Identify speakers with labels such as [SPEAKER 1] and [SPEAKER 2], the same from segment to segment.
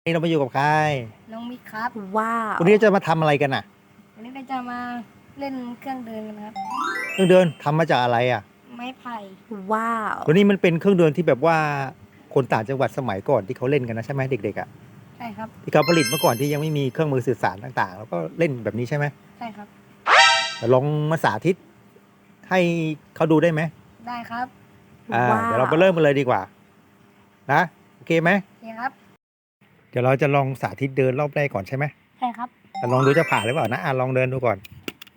[SPEAKER 1] นี่เรามาอยู่กับใคร
[SPEAKER 2] น้องมิกครับ
[SPEAKER 3] ว้าว
[SPEAKER 1] วันนี้จะมาทำอะไรกันน่ะ
[SPEAKER 2] วันนี้เราจะมาเล่นเครื่องเดินกันครับ
[SPEAKER 1] เครื่องเดินทำมาจากอะไรอ่ะ
[SPEAKER 2] ไม้ไผ่
[SPEAKER 3] ว้าว
[SPEAKER 1] วันนี้มันเป็นเครื่องเดินที่แบบว่าคนต่างจังหวัดสมัยก่อนที่เขาเล่นกันนะใช่ไหมเด็กๆอ่ะ
[SPEAKER 2] ใช่ครับ
[SPEAKER 1] ที่เขาผลิตเมื่อก่อนที่ยังไม่มีเครื่องมือสื่อสารต่างๆ แล้วก็เล่นแบบนี้ใช่ไหม
[SPEAKER 2] ใช่ครับ
[SPEAKER 1] แต่ลองมาสาธิตให้เขาดูได้ไหม
[SPEAKER 2] ได้ครับ
[SPEAKER 1] เดี๋ยวเราไปเริ่มกันเลยดีกว่านะโอเคไหม
[SPEAKER 2] โอเคครับ
[SPEAKER 1] เดี๋ยวเราจะลองสาธิตเดินรอบแรกก่อนใช่ไหม
[SPEAKER 2] ใช่ครับ
[SPEAKER 1] แต่ลองดูจะผ่านหรือเปล่านะลองเดินดูก่อน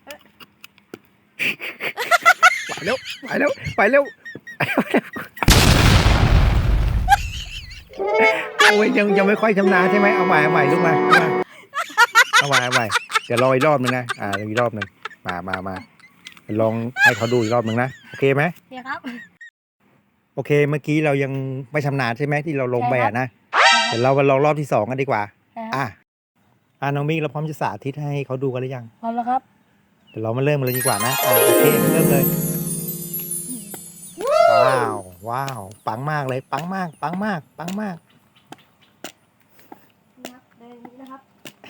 [SPEAKER 1] ไปเร็วไปเร็วไปเร็วโอ้ยยังไม่ค่อยชำนาญใช่ไหมเอาใหม่ลูกมาเอาใหม่เดี๋ยวรออีกรอบนึงนะอีกรอบนึงมาลองให้เขาดูอีกรอบนึงนะโอเคไหม
[SPEAKER 2] โอเคครับ
[SPEAKER 1] โอเคเมื่อกี้เรายังไม่ชำนาญใช่ไหมที่เราลงไปนะ
[SPEAKER 2] ใช่ครับ
[SPEAKER 1] เดี๋ยวเรามาลองรอบที่2กันดีกว่า
[SPEAKER 2] ใช่ครับ
[SPEAKER 1] น้องมิกเราพร้อมจะสาธิตให้เขาดูกันหรือยัง
[SPEAKER 2] พร้อมแล้วครับ
[SPEAKER 1] เดี๋ยวเรามาเริ่มกันเลยดีกว่านะโอเคเริ่มเลยว้าวปังมากเลยปังมาก
[SPEAKER 2] นี่ครับเดินอย่างนี้นะครับ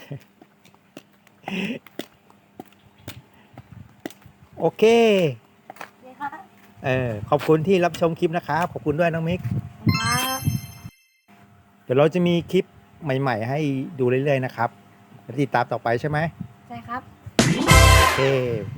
[SPEAKER 1] โอเค
[SPEAKER 2] โอเคครับ
[SPEAKER 1] ขอบคุณที่รับชมคลิปนะครับขอบคุณด้วยน้องมิก
[SPEAKER 2] ครับ
[SPEAKER 1] เดี๋ยวเราจะมีคลิปใหม่ๆให้ดูเรื่อยๆนะครับติดตามต่อไปใช่ไหม
[SPEAKER 2] ใช่ครับ
[SPEAKER 1] โอเค